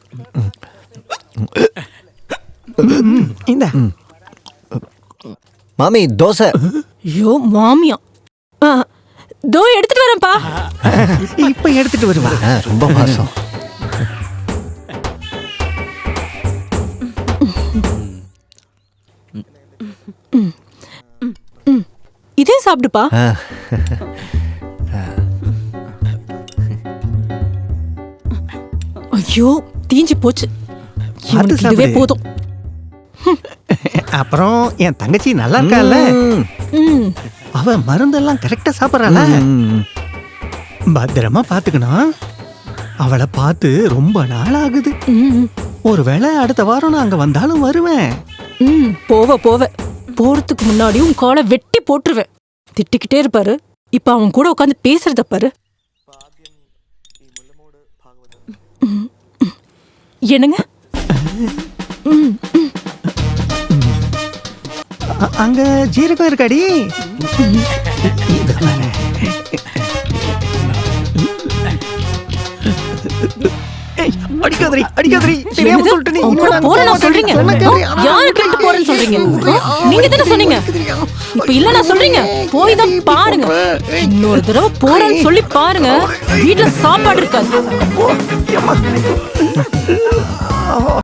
இந்த மாமி தோசை. ஐயோ மாமியா, தோ எடுத்துட்டு வரேன்ப்பா. இப்ப எடுத்துட்டு வருவா. ரொம்ப பாசம். இதே சாப்பிடுப்பா. ஐயோ தீஞ்சு போச்சு. இவனுக்கு இதுவே போதும். அப்புறம் என் தங்கச்சி நல்லா இருக்கால, அவ மருந்தெல்லாம் கரெக்டா சாப்பிடறாள. பத்திரமா பாத்துக்கணும். அவளை பார்த்து ரொம்ப நாள் ஆகுது. ஒருவேளை அடுத்த வாரம் நான் அங்க வந்தாலும் வருவேன். போவ போறதுக்கு முன்னாடி உன் காலை வெட்டி போட்டுருவேன். திட்டிக்கிட்டே இருப்பாரு. இப்ப அவன் கூட உட்காந்து பேசுறத பாரு. என்னங்க? அங்க ஜீரகம் இருக்காடி. அடிக்காதரி அடிக்காதரி. தெரியாம சொல்லிட்டு நீ போறேன்னு சொல்றீங்க. யாரு கேட்டு போறேன்னு சொல்றீங்க? நீங்க தானே சொன்னீங்க. இப்ப இல்ல நான் சொல்றீங்க. போய் தான் பாருங்க. இன்னொரு தடவை போறேன்னு சொல்லி பாருங்க. வீட்டுல சாப்பாடு இருக்காது.